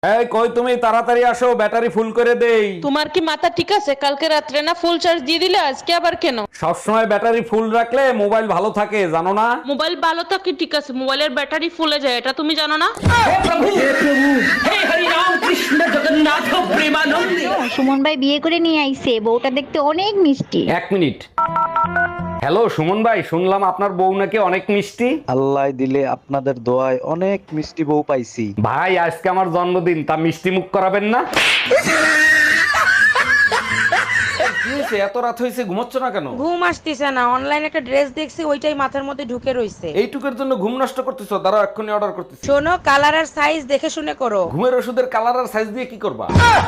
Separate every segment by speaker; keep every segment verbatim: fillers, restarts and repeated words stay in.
Speaker 1: এই কই তুমি, তাড়াতাড়ি আসো, ব্যাটারি ফুল করে দেই।
Speaker 2: তোমার কি মাথা ঠিক আছে? কালকে রাত্রে না ফুল চার্জ দিয়ে দিলে, আজকে আবার কেন?
Speaker 1: সবসময় ব্যাটারি ফুল রাখলে মোবাইল ভালো থাকে, জানো না?
Speaker 2: মোবাইল ভালো থাকে ঠিক আছে, মোবাইলের ব্যাটারি ফুলে যায়, এটা তুমি জানো না?
Speaker 3: সুমন ভাই বিয়ে করে নিয়ে আইছে, বউটা দেখতে অনেক মিষ্টি।
Speaker 1: এক মিনিট। হ্যালো সুমন ভাই, শুনলাম আপনার বউ নাকি অনেক মিষ্টি।
Speaker 4: আল্লাহ দিলে আপনাদের দোয়ায় অনেক মিষ্টি বউ পাইছি।
Speaker 1: ভাই আজকে আমার জন্মদিন, তা মিষ্টি মুখ করাবেন না? কি হয়েছে, এত রাত হয়েছে, ঘুমোচ্ছ না কেন?
Speaker 5: ঘুম আসতেছে না, অনলাইনে একটা ড্রেস দেখছি, ওইটাই মাথার মধ্যে ঢুকে রইছে।
Speaker 1: এইটুকুর জন্য ঘুম নষ্ট করতেছো? দাঁড়াও এক্ষুনি অর্ডার করতেছি।
Speaker 5: শোনো, কালার আর সাইজ দেখে শুনে করো।
Speaker 1: ঘুমের ওষুধের কালার আর সাইজ দিয়ে কি করবা?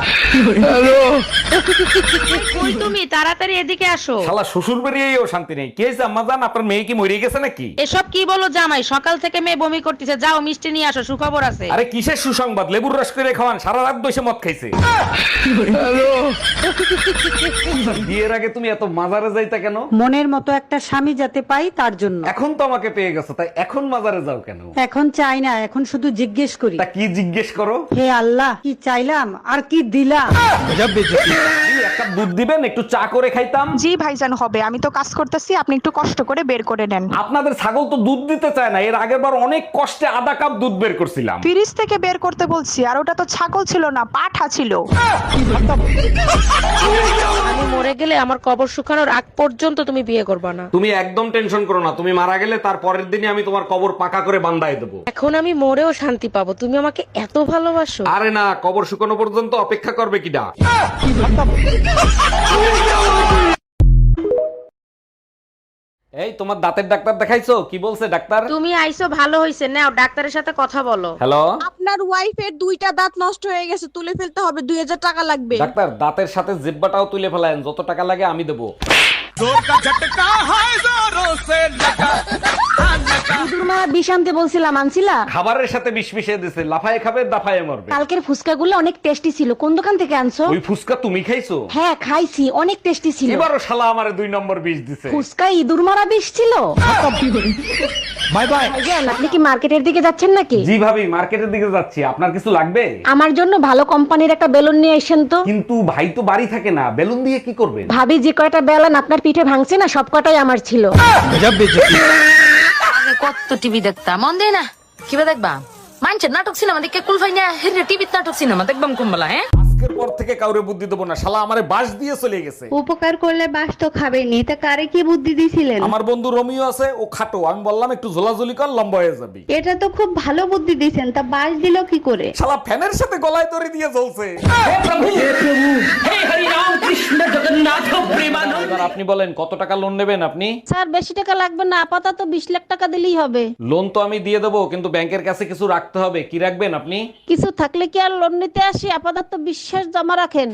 Speaker 5: কই তুমি, তাড়াতাড়ি এদিকে আসো।
Speaker 1: শালা শ্বশুর বেরিয়েও শান্তি নেই। কি হয়েছে আম্মা জান, আপনার মেয়ে কি মরে গেছে নাকি?
Speaker 5: এসব কি বলো জামাই, সকাল থেকে মেয়ে বমি করতেছে, যাও মিষ্টি নিয়ে আসো, সুখবর আছে।
Speaker 1: আরে কিসের সুসংবাদ, লেবুর রস করে খাওয়ান, সারা রাত বসে মদ খাইছে। বিয়ের আগে তুমি এত মাজারে যাইতা কেন?
Speaker 6: মনের মতো একটা স্বামী যাতে পাই তার জন্য।
Speaker 1: এখন তো আমাকে পেয়ে গেছো, তাই এখন মাজারে যাও কেন?
Speaker 6: এখন চাই না, এখন শুধু জিজ্ঞেস করি,
Speaker 1: তা কি জিজ্ঞেস করো?
Speaker 6: হে আল্লাহ, কি চাইলাম আর কি দিলাম।
Speaker 1: এই, এক কাপ দুধ দিবেন, একটু চা করে খাইতাম।
Speaker 7: জি ভাইজান হবে, আমি তো কাজ করতেছি, আপনি একটু কষ্ট করে বের করে নেন।
Speaker 1: আপনাদের ছাগল তো দুধ দিতে চায় না, এর আগের বার অনেক কষ্টে আধা কাপ দুধ বের করছিলাম।
Speaker 7: ফ্রিজ থেকে বের করতে বলছি, আর ওটা তো ছাগল ছিল না, পাঠা ছিল।
Speaker 5: আমি মরে গেলে আমার কবর শুকানোর আগ পর্যন্ত তুমি বিয়ে করবে না।
Speaker 1: তুমি একদম টেনশন করো না, তুমি মারা গেলে তার পরের দিনই আমি তোমার কবর পাকা করে বান্ধাই দেবো।
Speaker 5: এখন আমি মরেও শান্তি পাবো, তুমি আমাকে এত ভালোবাসো।
Speaker 1: আরে না, কবর শুকানো পর্যন্ত অপেক্ষা করবে কিনা? এই তোমার দাঁতের ডাক্তার দেখাইছো? কি বলছে ডাক্তার?
Speaker 5: তুমি আইছো ভালো হইছে, নাও ডাক্তারের সাথে কথা বলো।
Speaker 1: হ্যালো
Speaker 8: আপনার ওয়াইফের দুইটা দাঁত নষ্ট হয়ে গেছে, তুলে ফেলতে হবে, দুই হাজার টাকা লাগবে।
Speaker 1: ডাক্তার, দাঁতের সাথে জিব্বাটাও তুলে ফেলায়েন, যত টাকা লাগে আমি দেবো।
Speaker 3: বিষ আনতে বলছিলাম, আনছিলা?
Speaker 1: খাবারের সাথে বিষ মিশিয়ে দিছে, লাফায়ে খাবে দাফায়ে মরবে।
Speaker 3: কালকের ফুচকা গুলো অনেক টেস্টি ছিল, কোন দোকান থেকে আনছো?
Speaker 1: ওই ফুসকা তুমি খাইছো?
Speaker 3: হ্যাঁ খাইছি, অনেক টেস্টি ছিল।
Speaker 1: এবারও শালা আমারে দুই নম্বর বিষ দিছে।
Speaker 3: ফুচকা ইঁদুর মারা বিষ ছিল।
Speaker 1: Bye bye.
Speaker 3: ভাইজান, আপনি কি মার্কেটের দিকে যাচ্ছেন নাকি?
Speaker 1: জি ভাবি, মার্কেটের দিকে যাচ্ছি, আপনার কিছু লাগবে?
Speaker 3: আমার জন্য ভালো কোম্পানির একটা বেলুন নিয়ে আসেন তো।
Speaker 1: কিন্তু ভাই তো বাড়ি থাকে না, বেলুন দিয়ে কি করবেন?
Speaker 3: ভাবি যে কয়টা বেলুন আপনার পিঠে ভাঙছে না, সব কটাই আমার ছিল।
Speaker 9: কত টিভি দেখতাম, মন দেয় না কিবা দেখবা মানছে নাটক সিনেমা দেখে কুলফাই না হেরে টিভিতে নাটক সিনেমা দেখবাম কুম্বলা। হ্যাঁ,
Speaker 1: আজকের পর থেকে কাউরে বুদ্ধি দেবো না, শালা আমারে বাস দিয়ে চলে গেছে।
Speaker 3: উপকার করলে বাস তো খাবেনি, তা কারে কি বুদ্ধি দিছিলেন?
Speaker 1: আমার বন্ধু রোমিও আছে, ও খাটো, আমি বললাম একটু ঝোলাঝুলি কর, লম্বা হয়ে যাবি।
Speaker 3: এটা তো খুব ভালো বুদ্ধি দিছেন, তা বাস দিল কি করে?
Speaker 1: শালা ফ্যানের সাথে গলায় দড়ি দিয়ে জ্বলছে। এবার আপনি বলেন কত টাকা লোন নেবেন আপনি?
Speaker 3: স্যার বেশি টাকা লাগবে না, আপাতত বিশ লাখ টাকা দিলেই হবে।
Speaker 1: লোন তো আমি দিয়ে দেবো, কিন্তু ব্যাংকের কাছে কিছু রাখতে হবে। কি রাখবেন আপনি?
Speaker 3: কিছু থাকলে কি আর লোন নিতে আসি, আপাতত বিশ্বাস জমা রাখেন।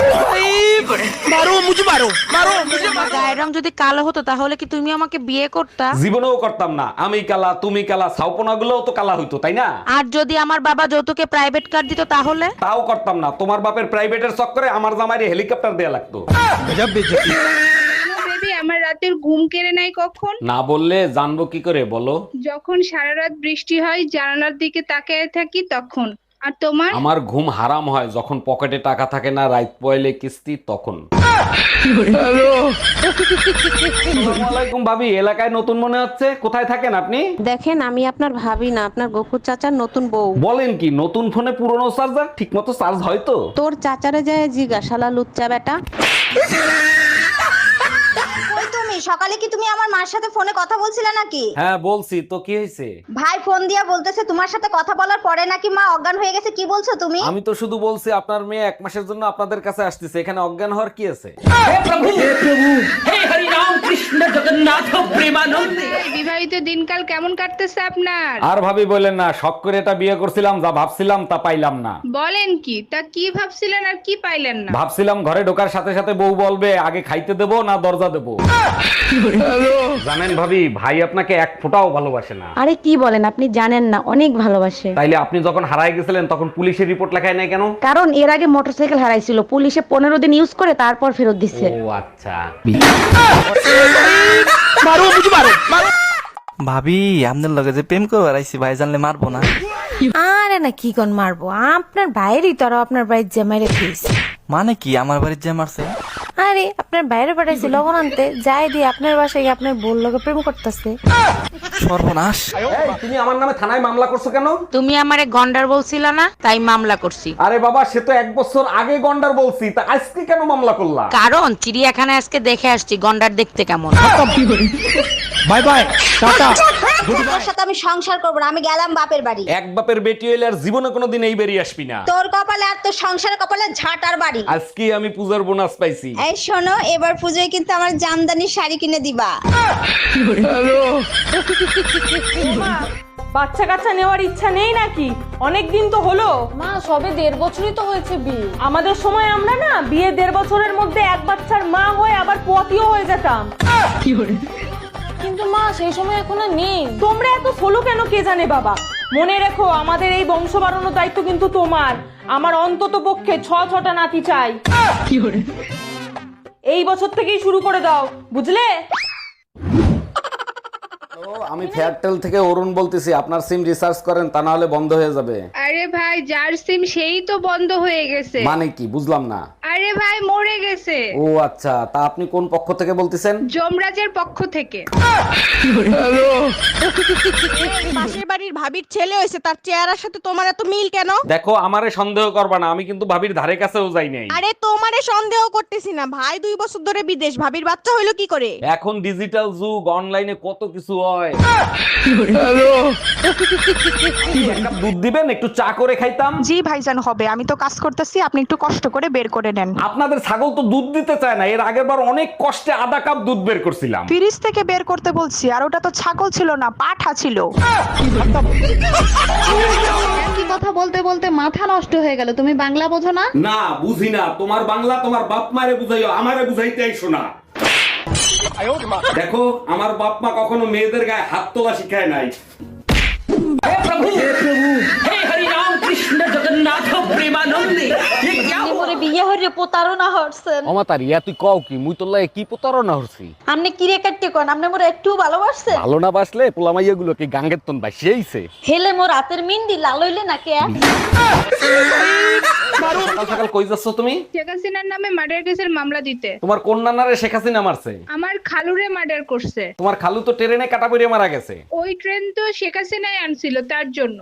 Speaker 5: গায়ের রং যদি কালো হতো তাহলে কি তুমি আমাকে বিয়ে করতা?
Speaker 1: জীবনেও করতাম না। আমি কালা, তুমি কালা, ছাউপনা গুলোও তো কালা হইতো, তাই না?
Speaker 5: আর যদি আমার বাবা যৌতুকে প্রাইভেট কার দিত তাহলে?
Speaker 1: তাও করতাম না। তোমার বাপের প্রাইভেটের চক্করে আমার জামাইরে হেলিকপ্টার দেয়া লাগতো।
Speaker 8: বেবি, আমার রাতের ঘুম কেড়ে নাই কখন?
Speaker 1: না বললে জানবো কি করে, বলো?
Speaker 8: যখন সারা রাত বৃষ্টি হয়, জানালার দিকে তাকিয়ে থাকি তখন। আর তোমার?
Speaker 1: আমার ঘুম হারাম হয় যখন পকেটে টাকা থাকে না, রাত পয়লে কিস্তি তখন। আসসালামুয়ালাইকুম ভাবি, এলাকায় নতুন মনে হচ্ছে, কোথায় থাকেন আপনি?
Speaker 5: দেখেন, আমি আপনার ভাবি না, আপনার গফুর চাচার নতুন বউ।
Speaker 1: বলেন কি, নতুন ফোনে পুরনো চার্জার ঠিক মতো চার্জ হয় তো?
Speaker 5: তোর চাচারে যায় জিজ্ঞাসালা লুচ্চা বেটা।
Speaker 3: তুমি সকালে কি তুমি আমার মার সাথে ফোনে কথা বলছিলে নাকি?
Speaker 1: হ্যাঁ বলছি তো, কি হয়েছে?
Speaker 3: ভাই ফোন দিয়া বলতেছে তোমার সাথে কথা বলার পরে নাকি মা অজ্ঞান হয়ে গেছে, কি বলছো তুমি?
Speaker 1: আমি তো শুধু বলছি আপনার মেয়ে এক মাসের জন্য আপনাদের কাছে আসতেছে, এখানে অজ্ঞান হওয়ার কি আছে?
Speaker 8: বিবাহিত দিনকাল কেমন কাটতেছে আপনার?
Speaker 1: আর ভাবি বলেন না, শখ করে এটা বিয়ে করছিলাম, যা ভাবছিলাম তা পাইলাম না।
Speaker 8: বলেন কি, তা কি ভাবছিলেন আর কি পাইলেন না?
Speaker 1: ভাবছিলাম ঘরে ঢোকার সাথে সাথে বউ বলবে আগে খাইতে দেবো না দরজা দেবো। জানেন ভাবি, ভাই আপনাকে এক ফোঁটাও ভালোবাসে না।
Speaker 3: আরে কি বলেন, আপনি জানেন না, অনেক ভালোবাসে।
Speaker 1: তাইলে আপনি যখন হারায় গেছিলেন তখন পুলিশের রিপোর্ট লেখায় নাই কেন?
Speaker 3: কারণ এর আগে মোটরসাইকেল হারাইছিল, পুলিশে পনেরো দিন ইউজ করে তারপর ফেরত দিচ্ছে।
Speaker 1: ও আচ্ছা।
Speaker 10: ভাবি আপনার লগে যে প্রেম করে বেড়াইছি, ভাই জানলে মারবো না?
Speaker 5: আরে না কি কোন মারবো, আপনার বাইরেই তো আরো আপনার বাড়ির জামাই রেখেছি।
Speaker 10: মানে কি আমার বাড়ির যে মারছে?
Speaker 5: আরে আপনার বাইরে পাঠাইছি লবণ আনতে, যাই দিয়ে আপনার বাসায় গিয়ে আপনার বোন লোকে প্রেম করতেছে।
Speaker 10: সর্বনাশ।
Speaker 1: এই, তুমি আমার নামে থানায় মামলা করছো কেন?
Speaker 5: তুমি আমারে গন্ডার বলছিলা না, তাই মামলা করছি।
Speaker 1: আরে বাবা, সে তো এক বছর আগে গন্ডার বলছি, তা আজকে কেন মামলা করলা?
Speaker 5: কারণ চিড়িয়াখানায় আজকে দেখে আসছি গন্ডার দেখতে কেমন।
Speaker 10: Bye bye, tata.
Speaker 3: তোর সাথে আমি সংসার করবো না, আমি গেলাম বাপের বাড়ি।
Speaker 1: এক বাপের বেটি হইলে আর জীবনে কোনোদিন এই বেরিয়ে আসবি না।
Speaker 3: তোর কপালে আর তোর সংসারের কপালে ঝাঁটার বাড়ি।
Speaker 1: আজকে আমি পূজার বোনাস পাইছি।
Speaker 3: এই শোনো, এবার পুজোয় কিন্তু আমার জামদানি শাড়ি কিনে দিবা।
Speaker 2: বাচ্চা কাচ্চা নেওয়ার ইচ্ছা নেই নাকি? অনেক দিন তো হলো।
Speaker 9: মা সবে দেড় বছরই তো হয়েছে বিয়ে।
Speaker 2: আমাদের সময় আমরা না বিয়ে দেড় বছরের মধ্যে এক বাচ্চার মা হয়ে আবার পতিও হয়ে যেতাম।
Speaker 9: কিন্তু মা সেই সময় এখন আর নেই।
Speaker 2: তোমরা এত সোলো কেন কে জানে বাবা। মনে রেখো, আমাদের এই বংশ বাড়ানোর দায়িত্ব কিন্তু তোমার। আমার অন্তত পক্ষে ছ ছটা নাতি চাই। এই বছর থেকেই শুরু করে দাও, বুঝলে?
Speaker 1: ও, আমি ফেয়ারটেল থেকে অরুণ বলতেছি, আপনার সিম রিচার্জ করেন, তা না হলে বন্ধ হয়ে যাবে।
Speaker 8: আরে ভাই, যার সিম সেই তো বন্ধ হয়ে গেছে।
Speaker 1: মানে কি বুঝলাম না।
Speaker 8: আরে ভাই, মরে গেছে।
Speaker 1: ও আচ্ছা, তা আপনি কোন পক্ষ থেকে বলতেছেন?
Speaker 8: যমরাজের পক্ষ থেকে।
Speaker 7: পাশের বাড়ির ভাবির ছেলে হয়েছে, তার চেহারার সাথে তোমার এত মিল কেন?
Speaker 1: দেখো, আমারে সন্দেহ করবা না, আমি কিন্তু ভাবির ধারে কাছেও যাই নাই।
Speaker 7: আরে তোমারে সন্দেহ করতেছি না, ভাই দুই বছর ধরে বিদেশ, ভাবির বাচ্চা হইলো কি করে?
Speaker 1: এখন ডিজিটাল যুগ, অনলাইনে কত কিছু হয়। এক কাপ দুধ দিবেন, একটু চা করে খাইতাম।
Speaker 7: জি ভাইজান হবে, আমি তো কাজ করতেছি, আপনি একটু কষ্ট করে বের করে নেন।
Speaker 1: আপনাদের ছাগল তো দুধ দিতে চায় না। এর আগের বার অনেক কষ্টে আধা কাপ দুধ বের করছিলাম।
Speaker 7: ফ্রিজ থেকে বের করতে বলছি, আর ওটা তো ছাগল ছিল না, পাঠা ছিল।
Speaker 3: কি কথা বলতে বলতে মাথা নষ্ট হয়ে গেল, তুমি বাংলা বোঝো না?
Speaker 1: না, বুঝি না। তোমার বাংলা তোমার বাপ মারে বুঝাইও, আমারে বুঝাইতে আইসো না। দেখো, আমার বাপ মা কখনো মেয়েদের গায়ে হাত তোলা শিখায় নাই।
Speaker 3: বিয়ে হইরে প্রতারণা হচ্ছেন।
Speaker 1: অমাতার ইয়া তুই কও কি? মুই তোর লাগে কি প্রতারণা হচ্ছি?
Speaker 3: আপনি কি রে কাটতে কোন? আপনি মোরে একটু ভালোবাসছেন?
Speaker 1: ভালো না বাসলে পোলামাইয়া গুলো কি গাঙ্গের তন বাসিয়েছে?
Speaker 3: হেলে মোর রাতের মিন্দি লাল হইলে নাকি?
Speaker 1: সকাল সকাল কই যাচ্ছ তুমি?
Speaker 8: শেখ হাসিনার নামে মার্ডার কেসের মামলা দিতে।
Speaker 1: তোমার কোন নানারে শেখ হাসিনা মারছে?
Speaker 8: আমার খালুরে মার্ডার করছে।
Speaker 1: তোমার খালু তো ট্রেনে কাটা পড়ে মারা গেছে।
Speaker 8: ওই ট্রেন তো শেখ হাসিনাই আনছিল, তার জন্য।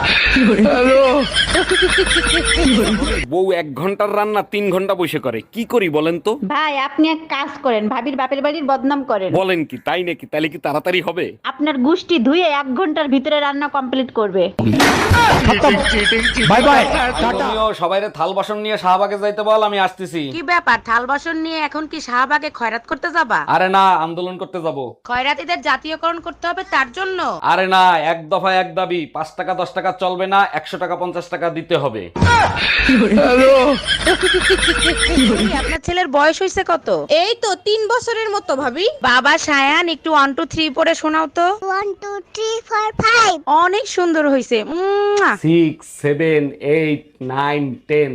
Speaker 1: বউ এক ঘন্টার রান্না তিন ঘন্টা বসে করে, কি করি বলেন তো?
Speaker 3: ভাই, আপনি এক কাজ করেন, ভাবির বাপের বাড়ির বদনাম করেন।
Speaker 1: বলেন কি? তাই নাকি? তাহলে কি তাড়াতাড়ি হবে?
Speaker 3: আপনার গুষ্টি ধুয়ে এক ঘন্টার ভিতরে রান্না কমপ্লিট করবে।
Speaker 10: Bye bye.
Speaker 1: তুমিও সবাইরে থাল বাসন নিয়ে শাহবাগে যাইতে বল, আমি আসতেছি।
Speaker 5: কি ব্যাপার, থাল বাসন নিয়ে এখন কি শাহবাগে খয়রাত করতে যাবা?
Speaker 1: আরে না, আন্দোলন করতে যাব।
Speaker 5: খয়রাতিদের জাতীয়করণ করতে হবে তার জন্য?
Speaker 1: আরে না, এক দফা এক দাবি, পাঁচ টাকা দশ টাকা চলবে না, একশো টাকা পঞ্চাশ টাকা দিতে হবে।
Speaker 5: আপনার ছেলের বয়স হয়েছে কত?
Speaker 7: এই তো তিন বছরের মতো ভাবি।
Speaker 5: বাবা সায়ান, একটু ওয়ান টু থ্রি পরে শোনাও তো।
Speaker 3: One two three four five.
Speaker 5: অনেক সুন্দর হয়েছে।
Speaker 1: Six seven eight nine ten.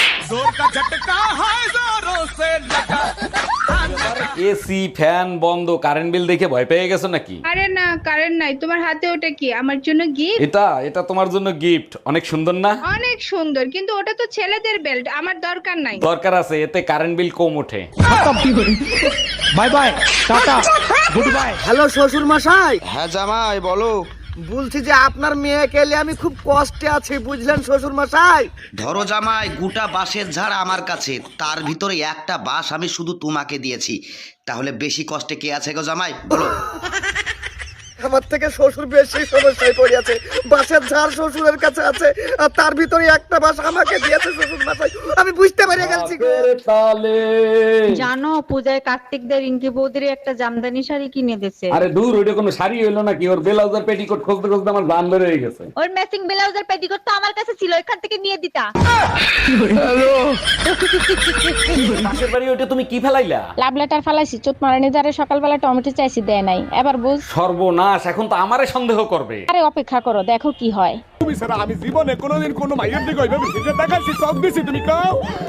Speaker 1: AC fan বন্ধ, কারেন্ট বিল দেখে ভয় পেয়ে গেছো নাকি?
Speaker 8: আরে না, কারেন্ট নাই। তোমার হাতে ওটা কি? আমার জন্য গিফট।
Speaker 1: এটা এটা তোমার জন্য গিফট। অনেক সুন্দর না?
Speaker 8: অনেক সুন্দর, কিন্তু ওটা তো ছেলেদের বেল্ট, আমার দরকার নাই।
Speaker 1: দরকার আছে, এতে কারেন্ট বিল কম ওঠে।
Speaker 10: Bye bye, tata, good bye.
Speaker 11: Hello শ্বশুর মশাই।
Speaker 4: হ্যাঁ জামাই বলো।
Speaker 11: বলছি যে আপনার মেয়েকে নিয়ে আমি খুব কষ্টে আছি, বুঝলেন শ্বশুর মশাই।
Speaker 12: ধরো জামাই, গোটা বাঁশের ঝাড় আমার কাছে, তার ভিতরে একটা বাঁশ আমি শুধু তোমাকে দিয়েছি, তাহলে বেশি কষ্টে কে আছে গো জামাই বলো?
Speaker 11: আমার থেকে শ্বশুর বেশি সমস্যায় পড়ে আছে। বাঁশের ঝাড় শ্বশুরের কাছে আছে, আর তার ভিতরে একটা বাঁশ আমাকে দিয়েছে শ্বশুর মশাই। আমি বুঝতে পেরে গেছি।
Speaker 6: জানো, পূজায় কার্তিকদের রিঙ্কি বৌদির একটা জামদানি শাড়ি কিনে দিয়েছে।
Speaker 1: আরে দূর, ওইটা কোনো শাড়ি হইলো নাকি? ওর ব্লাউজের পেটিকোট খুঁজতে খুঁজতে আমার জান বের হয়ে গেছে।
Speaker 3: ওর ম্যাচিং ব্লাউজের পেটিকোট তো আমার কাছে ছিল, এখান থেকে নিয়ে দিতা।
Speaker 1: পাশের বাড়ি ওইটা তুমি কি ফেলাইলা?
Speaker 2: লাভ লেটার ফালাইছি, চোট মারানি দ্বারা সকালবেলা টমেটো চাইছি, দেয় নাই। এবার বুঝ।
Speaker 1: সর্বনাশ, মাস, এখন তো আমারে সন্দেহ করবে।
Speaker 2: আরে অপেক্ষা করো, দেখো কি হয়।
Speaker 11: তুমি ছাড়া আমি জীবনে কোনোদিন কোনো মাইয়ের দিকে ওইভাবে ফিরে দেখাইছি, চোখ দিছি, তুমি কাও।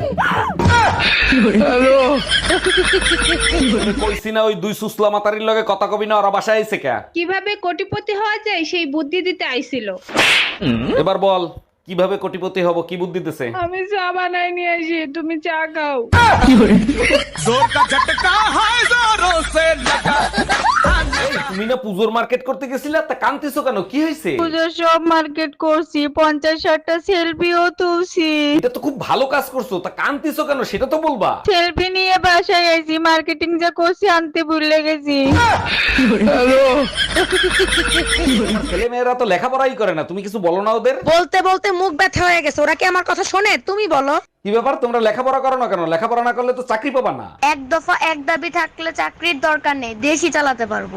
Speaker 1: কইছি না ওই দুই সুসলা মাতারির লগে কথা কবি না, ওরা বাসায় আইছে কে?
Speaker 8: কিভাবে কোটিপতি হওয়া যায় সেই বুদ্ধি দিতে আইছিল।
Speaker 1: এবার বল কিভাবে কোটিপতি হব, কি বুদ্ধি দিতেছে?
Speaker 8: আমি চা বানাই নিয়ে আসি, তুমি চা খাও।
Speaker 1: তুমি না পুজোর মার্কেট করতে গেছিলে, তা কান্তিছো কেন, কি হয়েছে?
Speaker 6: পুজোর সব মার্কেট করছি, পঞ্চাশ ষাটটা সেলফিও তুলছি।
Speaker 1: এটা তো খুব ভালো কাজ করছো, তা কান্তিছো কেন সেটা তো বলবা।
Speaker 6: সেলফি নিয়ে বাসায় আইছি, মার্কেটিং যা করছি আনতে ভুলে গেছি।
Speaker 1: ছেলে মেয়েরা তো লেখাপড়াই করে না, তুমি কিছু বলো না ওদের?
Speaker 7: বলতে বলতে মুখ ব্যথা হয়ে গেছে, ওরা কি আমার কথা শোনে? তুমি বলো।
Speaker 1: কি ব্যাপার, তোমরা লেখাপড়া করো না কেন? লেখাপড়া না করলে তো চাকরি পাবা না।
Speaker 5: এক দফা এক দাবি থাকলে চাকরির দরকার নেই, দেশই চালাতে পারবো।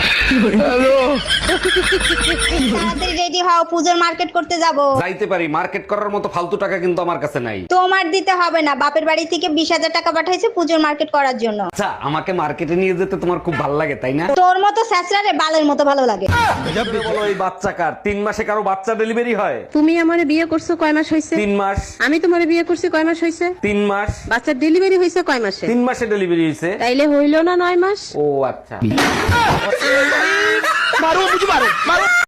Speaker 3: তাড়াতাড়ি রেডি হও, পুজোর মার্কেট করতে যাব।
Speaker 1: যাইতে পারি, মার্কেট করার মতো ফালতু টাকা কিন্তু আমার কাছে নাই।
Speaker 3: তোমার দিতে হবে না, বাপের বাড়ি থেকে বিশ হাজার টাকা পাঠাইছে পুজোর মার্কেট করার জন্য।
Speaker 1: আচ্ছা, আমাকে মার্কেটে নিয়ে যেতে তোমার খুব ভালো লাগে তাই না?
Speaker 3: তোর মতো স্যাঁচড়ারে বালের মতো ভালো লাগে।
Speaker 1: বলো এই বাচ্চা কার? তিন মাসে কারো বাচ্চা ডেলিভারি হয়?
Speaker 2: তুমি আমারে বিয়ে করছো কয় মাস হয়েছে?
Speaker 1: তিন মাস।
Speaker 2: আমি তোমারে বিয়ে করছি কয় মাস হয়েছে?
Speaker 1: তিন মাস।
Speaker 2: বাচ্চার ডেলিভারি হয়েছে কয় মাসে?
Speaker 1: তিন মাসে ডেলিভারি হয়েছে।
Speaker 2: তাইলে হইলো না নয় মাস?
Speaker 1: ও আচ্ছা।
Speaker 11: মারো, বুঝি মারো, মারো।